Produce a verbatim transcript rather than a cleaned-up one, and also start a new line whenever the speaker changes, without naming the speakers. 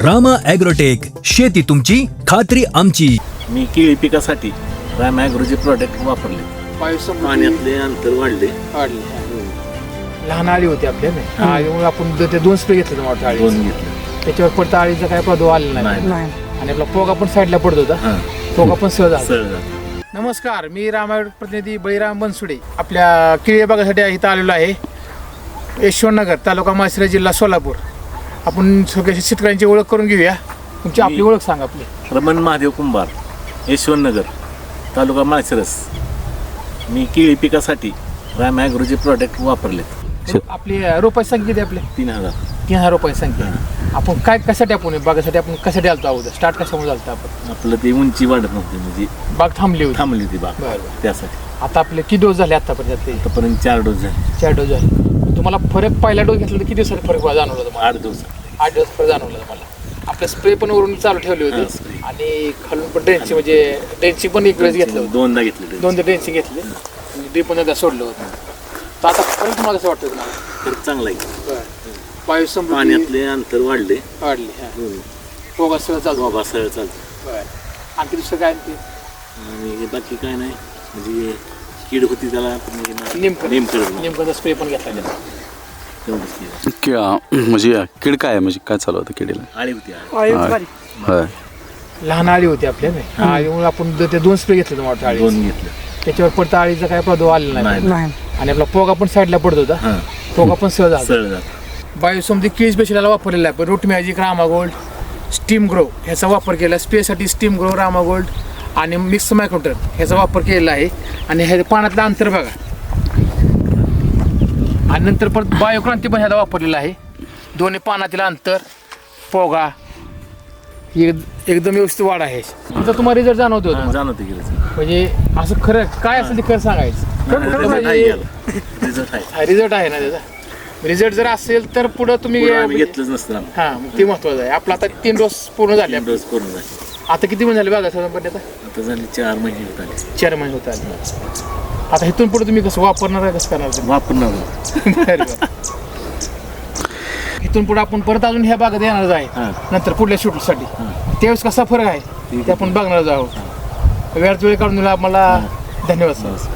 Rama agrotech, शेती तुमची खात्री आमची.
मी केळी पिकासाठी रामा ॲग्रोचे प्रोडक्ट वापरले. पाण्यातले अंतर वाढले
वाढले लहान आळी होती आपल्या आळीमुळे आपण ते दोन स्प्रे घेतले होते मोठ्या
दोन
आळी
घेतले.
त्याच्यावर पडता आळीचा काय प्रादुर्भाव आलेला नाही आणि आपला पोगा पण साईडला पडत होता. पोगा पण सहज आला.
सरळ झालं.
नमस्कार, मी रामायण प्रतिनिधी बळीराम बनसुडे आपल्या केळी बागासाठी इथं आलेलो आहे. यशवंतनगर, तालुका माळशिरस, जिल्हा सोलापूर. आपण सगळ्या शेतकऱ्यांची ओळख करून घेऊया. तुमची आपली ओळख सांगा. आपली
रमण महादेव कुंभार, यशवंतनगर, तालुका माळशिरस. मी केळी पिकासाठी रामा ॲग्रोचे प्रोडक्ट वापरले.
आपली रोपाची संख्या किती आपली?
तीन हजार
तीन हजार रुपयाची संख्या. आपण काय कशासाठी आपण बागासाठी आपण कशासाठी आलतो अगोदर? स्टार्ट कशामुळे झालं आपण?
आपलं ते उंची वाढत नव्हती, म्हणजे
बाग थांबली होती.
थांबली होती बाग,
बरं बरं.
त्यासाठी.
आता आपले किती डोस झाले आतापर्यंत? ते
आतापर्यंत चार डोस झाले.
चार डोस झाले. तुम्हाला फरक पहिला डोस घेतला तर किती दिवसात फरक जाणवला तुम्हाला?
आठ दिवस
आठ दिवस फरक जाणवला तुम्हाला. आपले स्प्रे पण वरून चालू ठेवले
हा,
होते
spray.
आणि खालून पण ड्रेनची म्हणजे ड्रेनची पण एक वेळेस घेतलं होतं.
दोनदा घेतले.
दोनदा ड्रेनची घेतली ड्रीप पण एकदा सोडलं होतं. तर आता फरक तुम्हाला कसं वाटतं तुम्हाला?
तर चांगला आहे.
बरं. वायू समृद्धी
पाण्यातले अंतर वाढले.
वाढली. हां, पोगा सगळं चालू.
बाबा सरळ चालतं.
बरं. आणखी दुसरं काय आणखी?
आणि बाकी काय नाही, म्हणजे कीड होती त्याला
नेमकं
नेमकं
नेमकं स्प्रे पण घेतला गेला.
तेवढंच केलं.
क्या म्हणजे कीड काय आहे, म्हणजे काय चालू होतं किडीला?
आळी होती आळी.
होय.
लहान आळी होती आपल्या आळीमुळे आपण ते दोन स्प्रे घेतले होते मोठ्या आळी.
दोन घेतले.
त्याच्यावर पडता आळीचा काय प्रादुर्भाव आलेला नाही आणि आपला पोगा पण साईडला पडत होता. पोगा पण सहज आला.
सरळ झालं.
बायोसमधी केळी स्पेशलला वापरलेला आहे. पण root magic, Rama gold, steam grow ह्याचा वापर केला. स्प्रेसाठी स्टीम ग्रो, रामा गोल्ड आणि मिक्स मायक्रोटर ह्याचा वापर केलेला आहे. आणि ह्या पाण्यातलं अंतर बघा. आणि नंतर परत बायोक्रांती पण ह्याचा वापरलेला आहे. दोन्ही पानातील अंतर, पोगा एक- एकदम व्यवस्थित वाढ आहे. आता तुम्हाला रिझल्ट जाणवतो
हा, जाणवते गेलं.
म्हणजे असं खरं काय असेल ते खरं सांगायचं.
रिझल्ट आहे याला. रिझल्ट आहे.
रिझल्ट आहे ना त्याचा. रिझल्ट जर असेल तर पुढं तुम्ही
पुढं आम्ही घेतलंच नसतं आम्ही.
हा, मग ते महत्वाचं आहे. आपला आता तीन डोस पूर्ण झाले.
तीन डोस करून झाले.
आता किती महिने झाले बघा साधारणपणे? आता
आता झाले चार महिने होत आले.
चार महिने होत आले. आता इथून पुढे तुम्ही कसं वापरणार आहे, कसं करणार तुम्ही?
वापरणार.
बरं, बरं. इथून पुढे आपण परत अजून ह्या भागात येणारच आहे
हा.
नंतर पुढल्या शूटसाठी. त्यावेळेस कसा फरक आहे ते आपण बघणार आहोत. वेळात वेळ काढून दिला मला. धन्यवाद सर.